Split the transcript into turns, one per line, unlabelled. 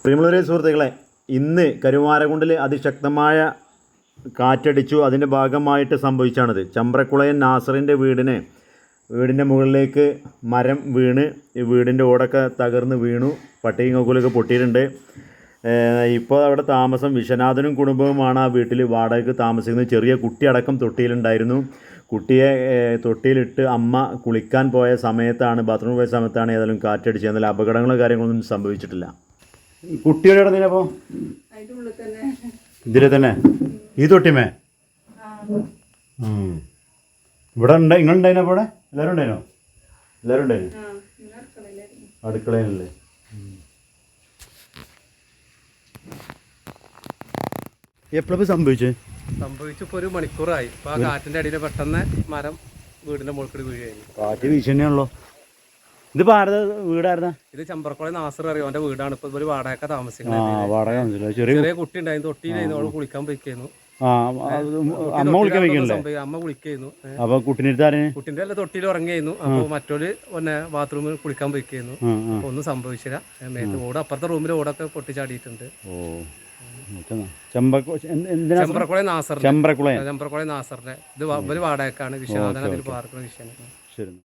പ്രിയമുള്ളവരെ സുഹൃത്തുക്കളെ, ഇന്ന് കരുവാരക്കുണ്ടിൽ അതിശക്തമായ കാറ്റടിച്ചു. അതിൻ്റെ ഭാഗമായിട്ട് സംഭവിച്ചാണിത്. ചമ്പ്രക്കുളയൻ നാസറിൻ്റെ വീടിൻ്റെ മുകളിലേക്ക് മരം വീണ് ഈ വീടിൻ്റെ ഓടൊക്കെ തകർന്ന് വീണു. പട്ടിയും കൊക്കുലൊക്കെ പൊട്ടിയിട്ടുണ്ട്. ഇപ്പോൾ അവിടെ താമസം വിശ്വനാഥനും കുടുംബവുമാണ് ആ വീട്ടിൽ വാടകയ്ക്ക് താമസിക്കുന്നത്. ചെറിയ കുട്ടിയടക്കം തൊട്ടിയിലുണ്ടായിരുന്നു. കുട്ടിയെ തൊട്ടിയിലിട്ട് അമ്മ കുളിക്കാൻ പോയ സമയത്താണ്, ബാത്റൂമിൽ പോയ സമയത്താണ് ഏതായാലും കാറ്റടിച്ചത്. എന്നാൽ അപകടങ്ങളോ കാര്യങ്ങളൊന്നും സംഭവിച്ചിട്ടില്ല. കുട്ടിയുടെ അപ്പോൾ ഇതിലെ തന്നെ ഈ തൊട്ടിമേ ഇവിടെ ഉണ്ട്. നിങ്ങളുണ്ടായിനോ? അപ്പോൾ ഇവിടെ എല്ലാവരും ഉണ്ടായിനോ? എല്ലാവരും ഉണ്ടായിരുന്നു. അടുക്കളയിലല്ലേ? എപ്പോഴപ്പോൾ സംഭവിച്ചു?
ഇപ്പോൾ 1 മണിക്കൂറായി. ഇപ്പോൾ ആ കാറ്റിൻ്റെ അടിയിൽ പെട്ടെന്ന് മരം വീടിൻ്റെ മുകളിൽ വീഴുകയായിരുന്നു.
കാറ്റ് വീശന്നെയാണല്ലോ. ഇതിപ്പോൾ ആരുടെ വീടായിരുന്ന?
ഇത് ചമ്പ്രക്കുളം നാസർ അറിയോ, അവൻ്റെ വീടാണ്. ഇപ്പോൾ ഒരു വാടക താമസിക്കുന്നത്.
വാടക
ചെറിയ കുട്ടി ഉണ്ടായിരുന്നു, തൊട്ടിയിലായിരുന്നു. അവൾ കുളിക്കാൻ പോയിക്കായിരുന്നു.
അമ്മ കുളിക്കാൻ വയ്ക്കണല്ലേ?
അമ്മ കുളിക്കായിരുന്നു.
അപ്പൊ കുട്ടീൻ്റെ
കുട്ടിന്റെ അല്ല തൊട്ടിയിൽ ഉറങ്ങിയായിരുന്നു. അപ്പോൾ മറ്റൊരു പിന്നെ ബാത്റൂമിൽ കുളിക്കാൻ പോയിക്കായിരുന്നു. അപ്പോൾ ഒന്നും സംഭവിച്ചില്ല. മേത്ത് ഓട് അപ്പുറത്തെ റൂമിൽ ഓടൊക്കെ പൊട്ടിച്ചാടിയിട്ടുണ്ട്. ചമ്പ്രക്കുളം നാസറിന്റെ ഇത് വാടകക്കാണ്. വിശ്വനാഥൻ അതിൽ പാർക്കുന്ന വിഷയം.